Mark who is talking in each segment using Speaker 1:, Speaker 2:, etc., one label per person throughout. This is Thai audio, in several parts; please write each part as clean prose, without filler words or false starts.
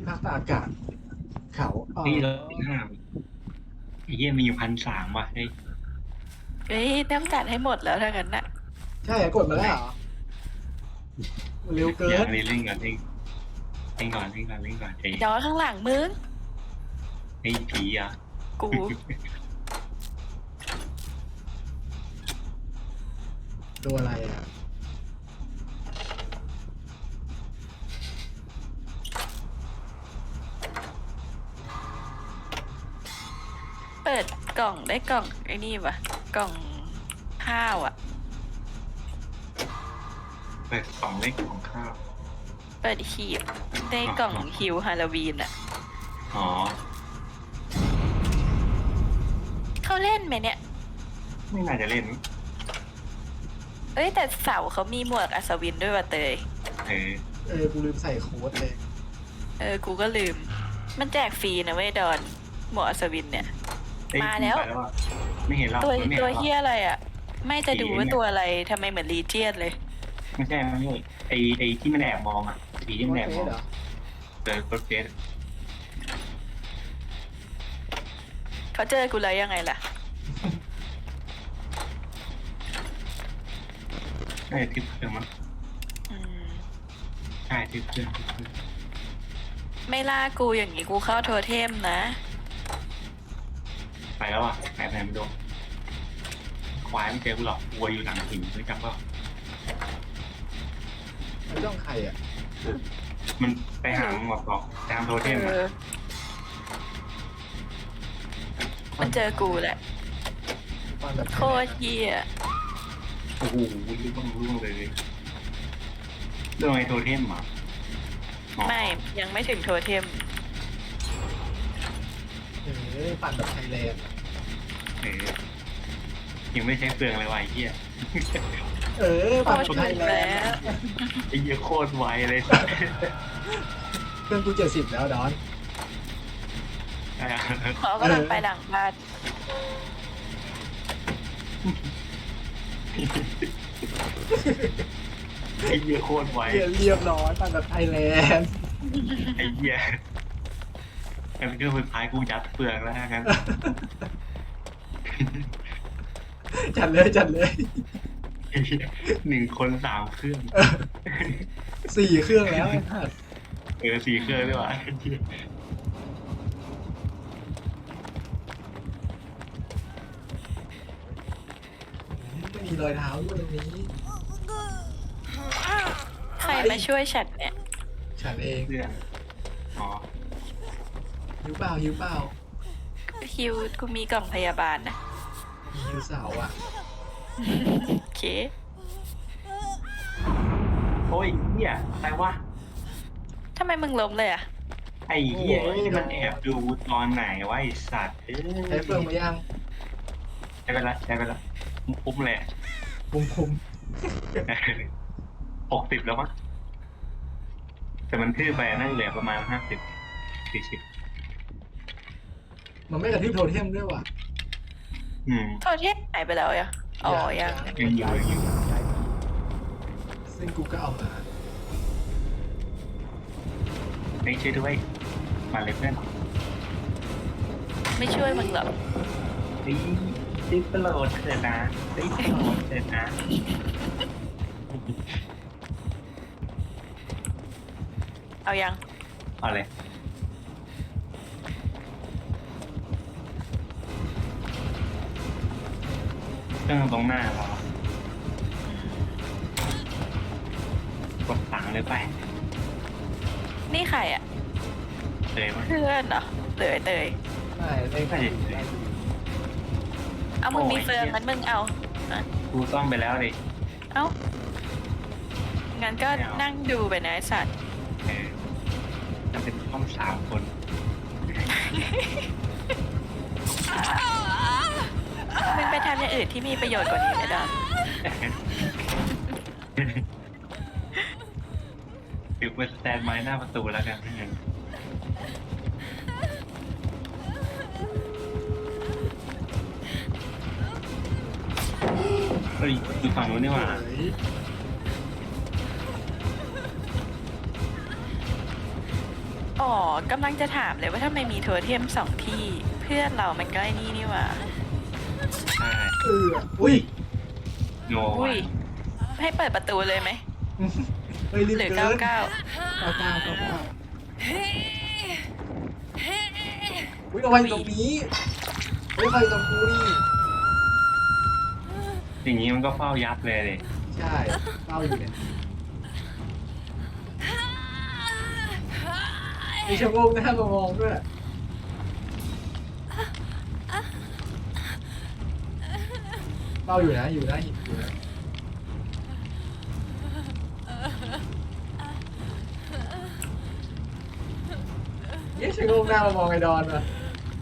Speaker 1: ภาคอากาศเขาอ๋อ
Speaker 2: นี่เราห้าไอ้เหี้ยมีอยู่1,300ว่ะเฮ้ย
Speaker 3: เอ้ยต้องการให้หมดแล้วถ้างั้นน่ะ
Speaker 1: ใช่กดมาแล้วเหรอเร็วเกิน
Speaker 2: อย่างนี้เล่นก่อนเล่นก่อนไอ้
Speaker 3: ย้อนข้างหลังมึง
Speaker 2: ไอ้ผีอ่ะ
Speaker 3: กู
Speaker 1: ตัวอะไรอ่ะ
Speaker 3: เปิดกล่องได้กล่องไอ้นี่ปะกล่องข้าวอ่ะ
Speaker 2: เปิดกล่องเล็กของข้าว
Speaker 3: เปิดหีบได้กล่องฮิวฮาโลวีนอ่ะ
Speaker 2: อ๋อ
Speaker 3: เขาเล่นไหมเนี่ย
Speaker 2: ไม่น่าจะเล่น
Speaker 3: เอ้ยแต่เสาเขามีหมวกอัศวินด้วยว่ะเตย
Speaker 2: เออ
Speaker 1: กูลืมใส่โค้ดเลย
Speaker 3: กูก็ลืมมันแจกฟรีนะเว้ยดอนหมวกอัศวินเนี่ยมาแล้ว
Speaker 2: ไม่เห็นเรา
Speaker 3: ตัว
Speaker 2: ไม่เห็น
Speaker 3: ตัว
Speaker 2: เรา
Speaker 3: เฮียอะไรอ่ะไม่จะดูว่าตัวอะไรทำไมเหมือนลีเจียนเลย
Speaker 2: ไม่ใช่ไอ้ที่มันแอบมองอ่ะผีที่มันแอบมอง
Speaker 1: เหรอ
Speaker 2: เจอโปรเจกต์
Speaker 3: เขาเจอกูเลยยังไงล่ะ
Speaker 2: ใช่ทิปเครื่องมั้ง
Speaker 3: อืม
Speaker 2: ใช่ทิปเครื่อง
Speaker 3: ไม่ล่ากูอย่างนี้กูเข้าโทเทมนะ
Speaker 2: ไปแล้วอ่ะไหนไม่ดูควายไม่เจอกูหรอกวัวอยู่หลังหินรู้จักป่ะ
Speaker 1: มันต้องใครอ่ะ
Speaker 2: มันไปหาหมอกบอกตามโทเทม
Speaker 3: เออมันเจอกูแหละ
Speaker 1: ตอนแบบ
Speaker 3: โคตรเฮีย
Speaker 2: โอ้โหร่วงเลยเรื่องไอ้โทเทมอ่ะ
Speaker 3: ไม่ยังไม่ถึงโทเทม
Speaker 1: ปั่นแบบไทยแลนด์
Speaker 2: เออยังไม่ใช้เปลืองเลยว่ะไอ้เหี้ย
Speaker 1: ปั่น
Speaker 3: โคตร
Speaker 1: ไท
Speaker 3: ถึ
Speaker 1: ย
Speaker 3: ง
Speaker 1: แล
Speaker 3: แล้
Speaker 1: นด์
Speaker 3: ว
Speaker 2: ไอ้เหี้ยโคตรไวเลย
Speaker 1: เครื่องกู70แล้วดอน
Speaker 3: เขากำลังไปหลังบ้าน
Speaker 2: ไอ้เหี้ยโคตรไว
Speaker 1: เรียบร้อยปั่นแบบไทยแลนด์
Speaker 2: ไอ้เหี้ยกันเครื่องสุดท้ายกูยัดเปลืองแล้วงั้น
Speaker 1: จัดเลย
Speaker 2: ไอ้เหี้ย1 คน 3 เครื่อง
Speaker 1: 4 เครื่องแล้วไอ้สัส
Speaker 2: 4 เครื่องด้วยว่ะ
Speaker 1: ไม่มีรอยเท้าด้วยตรงนี้
Speaker 3: ใครมาช่วยฉันเนี่ย
Speaker 1: ฉันเอง
Speaker 2: เพื่อนอ๋อ
Speaker 1: หิวเปล่า
Speaker 3: ฮิวกูมีกล่องพยาบาลนะ
Speaker 1: มีหิวเสาอ่ะ
Speaker 3: โอเค
Speaker 2: โอ้ยเหี้ยอะไรวะ
Speaker 3: ทำไมมึงล้มเลยอ่ะ
Speaker 2: ไอ้เหี้ยมันแอบดูตอนไหนวะไอ้สัตว์
Speaker 1: ใช้เฟืองมายัง
Speaker 2: ใช้ไปละคุ้มเลย
Speaker 1: คุม
Speaker 2: 60แล้วมั้งแต่มันทื่อไปน่าจะเหลือประมาณ50 40
Speaker 1: มันไม่กระทืบโทเทมด้วยว่ะ
Speaker 3: โทเทมหายไปแล้วอ่ะอ๋อยัง
Speaker 2: ยังอยู่
Speaker 1: ซึ่งกูก็เอามา
Speaker 2: ไม่ช่วยด้วยมาเลยเพื่อน
Speaker 3: ไม่ช่วยมึงหรอก
Speaker 2: รีบโปรดเถิดนะรีบโปรดเถิดนะ
Speaker 3: เอายัง
Speaker 2: เอาเลยเครื่องตรงหน้าเรากดสั่งเลยไป
Speaker 3: นี่ใครอ่ะ
Speaker 2: เลยมั้ย
Speaker 3: เพื่อนเหรอเตย
Speaker 1: ไม่เล่น
Speaker 2: ไม่เห็นเลย
Speaker 3: เอามึงมีเฟืองงั้นมึงเอาอ่ะ
Speaker 2: กูซ่อมไปแล้วดิ
Speaker 3: เอางั้นก็นั่งดูไปนะไอ้สัตว์
Speaker 2: จะเป็นซ่อม3 คน
Speaker 3: มึงไปทำอย่างอื่นที่มีประโยชน์กว่านี้ไม่ได้
Speaker 2: ถือเป็นสแตนไม้หน้าประตูแล้วกันนั่นเองเฮ้ยอยู่ฝั่งนู้นนี่หว่า
Speaker 3: โอ้อ๋อกำลังจะถามเลยว่าทำไมมีโทเทม2 ที่เพื่อนเรามันก็ไอ้นี่หว่า
Speaker 2: ใช่
Speaker 1: อุ้ย
Speaker 2: โน
Speaker 3: อุ้ย ให้เปิดประตูเลยไหม
Speaker 1: เฮ้ยรีบ
Speaker 3: หรือ
Speaker 1: เกิน
Speaker 3: 99
Speaker 1: เก้าอุ้ยเอาไว้ตรงนี้ไม่ใครตรงกูนี่
Speaker 2: อย่างนี้มันก็เฝ้ายับเลยเลย
Speaker 1: ใช่เฝ้าอยู่เนี่ยมีชะโงกหน้ามามองด้วยเฝ้าอยู่นะอยู่นะอยู่นะเย้ชะโงกหน้ามามองไอ้ดอนว่ะ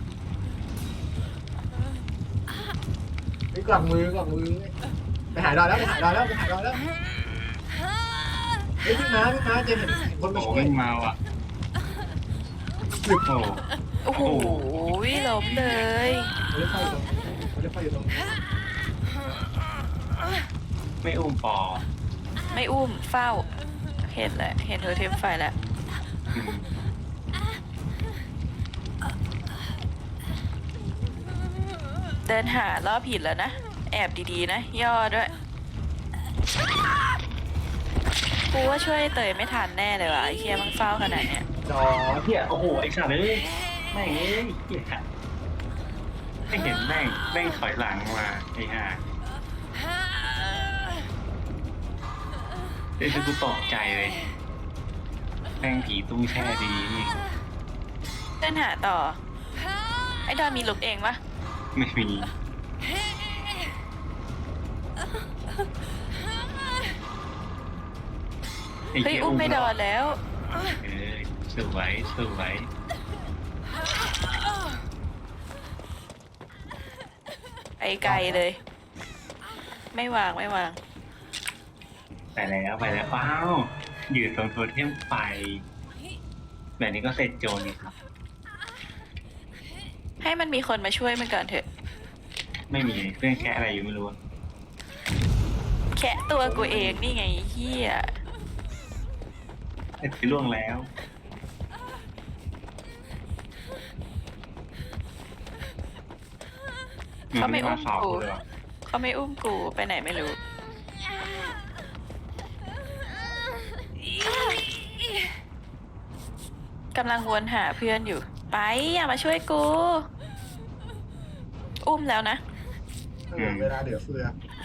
Speaker 1: ไปกวักมืไปหาดอนแล้วไปหาดอนแล้วเฮ้ยพี่ม้าเจมเห็นคนมา
Speaker 2: โอ้
Speaker 1: ช่วย
Speaker 2: วิ่งมาว่ะ
Speaker 1: หยุด
Speaker 2: โอ้
Speaker 3: โอ้โหล้มเลย
Speaker 1: เขาเรียกไฟอยู่ตรงนี้
Speaker 2: ไม่อุ้มปอ
Speaker 3: ไม่อุ้มเฝ้า เห็นแหละ เห็นโทเทมไฟแล้ว
Speaker 2: อืม
Speaker 3: เดินหารอบผิดแล้วนะ แอบดีๆนะ ย่อด้วย กูว่าช่วยเตยไม่ทันแน่เลยว่ะไอ้เคียมันเฝ้าขนาดเนี้ย
Speaker 1: จอ
Speaker 2: เฮียโอ้โหไอ้สัตว์เอ้ยแม่งเอ้ยเฮียไม่เห็นแม่งถอยหลังมาไอ้ห่าเอ้ยคือกูตกใจเลยแม่งผีตู้แช่ดีนี่
Speaker 3: เดินหาต่อ ไอ้ดอนมีลุกเองปะ
Speaker 2: ไม่มีไอ้
Speaker 3: เฮ้ย
Speaker 2: เหี้ย
Speaker 3: อุ้มไม่ดอนแล้ว
Speaker 2: เออสวย
Speaker 3: ไปไกลเลย ไม่วาง
Speaker 2: ไปแล้วว้าวยืนตรงโทเทมไฟแบบนี้ก็เสร็จโจรนี่ครับ
Speaker 3: ให้มันมีคนมาช่วยมันก่อนเถอะ
Speaker 2: ไม่มีเครื่องแค่อะไรอยู่ไม่รู้
Speaker 3: แคะตัวกูเองนี่ไงเฮีย
Speaker 2: แต่ที่ล่วงแล้ว
Speaker 3: เขาไม่อุ้ม
Speaker 2: สอบ
Speaker 3: กู
Speaker 2: เลยว่ะ
Speaker 3: เขาไม่อุ้มกูไปไหนไม่รู้ กำลังวนหาเพื่อนอยู่ ไปอย่ามาช่วยกู อุ้มแล้วนะ
Speaker 1: เวลาเดือดเฟือ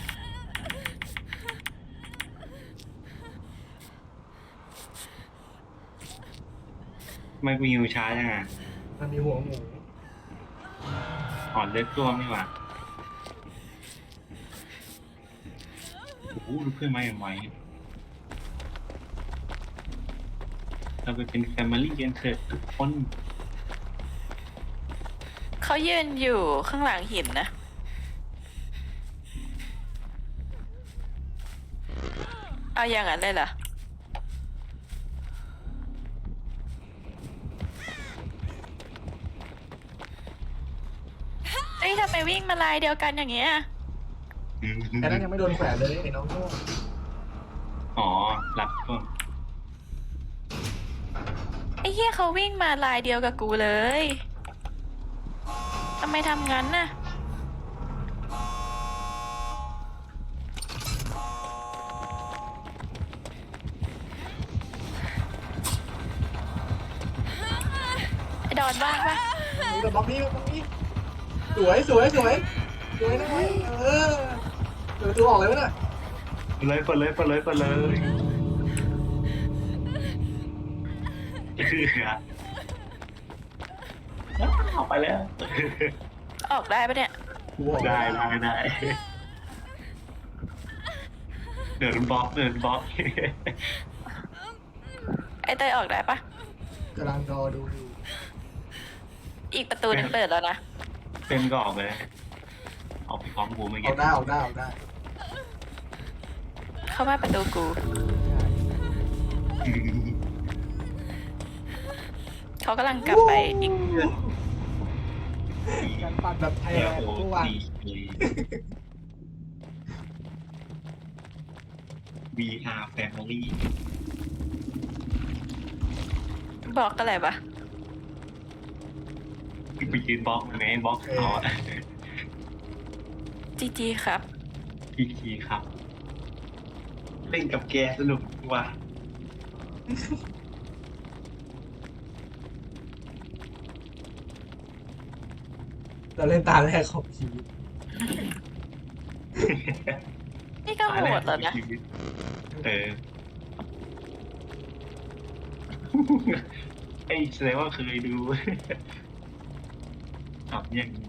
Speaker 2: ทำไมกูยิวช้าจังอ่ะ
Speaker 1: มันมีหัวหมู
Speaker 2: อ่อนเลือดตัวไม่หว่าโอ้โหดูเพื่อนมาอย่างไวเราไปเป็นแฟมิลี่กันเถอะทุกคน
Speaker 3: เขายืนอยู่ข้างหลังหินนะ เอาอย่างนั้นเลยเหรอ เอ้ยทำไมวิ่งมาลายเดียวกันอย่างเงี้ย
Speaker 1: แต่นั้นยังไม่โดนแขวนเลยไอ้น้องโง่
Speaker 2: อ๋อหลับก็
Speaker 3: ไอ้เหี้ยเขาวิ่งมาลายเดียวกับกูเลยทำไมทำงั้นน่ะ ไอ้ดอนบ้างปะ
Speaker 1: นี่กับบล็อกนี้สวยนะเว้ยเปิดตัวออกเลยวะน่ะ
Speaker 2: เปิดเลยคือออกไปแล้ว
Speaker 3: ออกได้ปะเนี่ย
Speaker 1: กูออก
Speaker 2: ได้เดินบล็อก
Speaker 3: ไอ้เตยออกได้ปะ
Speaker 1: กำลังรอดูอยู่
Speaker 3: อีกประตูหนึงเปิดแล้วนะ
Speaker 2: เป็นก็ออกไปเลยออกไปพร้อมกูไม่
Speaker 1: อ
Speaker 2: เก็
Speaker 1: อกได้
Speaker 3: เข้ามาประตูกู เขากำลังกลับไปอีก
Speaker 1: การปั่นแบบไทย
Speaker 2: เอ
Speaker 1: แลน
Speaker 2: โอ
Speaker 1: ด์ทุกวัน
Speaker 2: ดี VR Family
Speaker 3: บอกอะไรปะ
Speaker 2: ไปยืนบล็อกมันไงบล็อกเขาอะ
Speaker 3: จีจีครับ
Speaker 2: พี่ทีครับ เล่นกับแกสนุกว่ะ
Speaker 1: เราเล่นตาแรกของชีวิต
Speaker 3: นี่ก็โหดแล้วนะ
Speaker 2: ชีวิตเออ ไอ้แสดงว่าเคยดู ทำอย่างนี้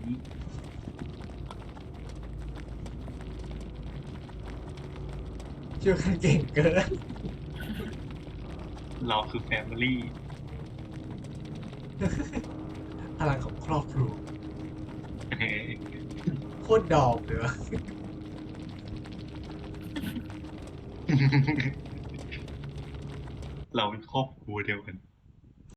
Speaker 1: ช่วยกันเก่งเกิน
Speaker 2: เราคือแฟมิลี่
Speaker 1: พลังของครอบครัว
Speaker 2: เออ
Speaker 1: โคตรดอกเลยวะ
Speaker 2: เราเป็นครอบครัวเดียวกัน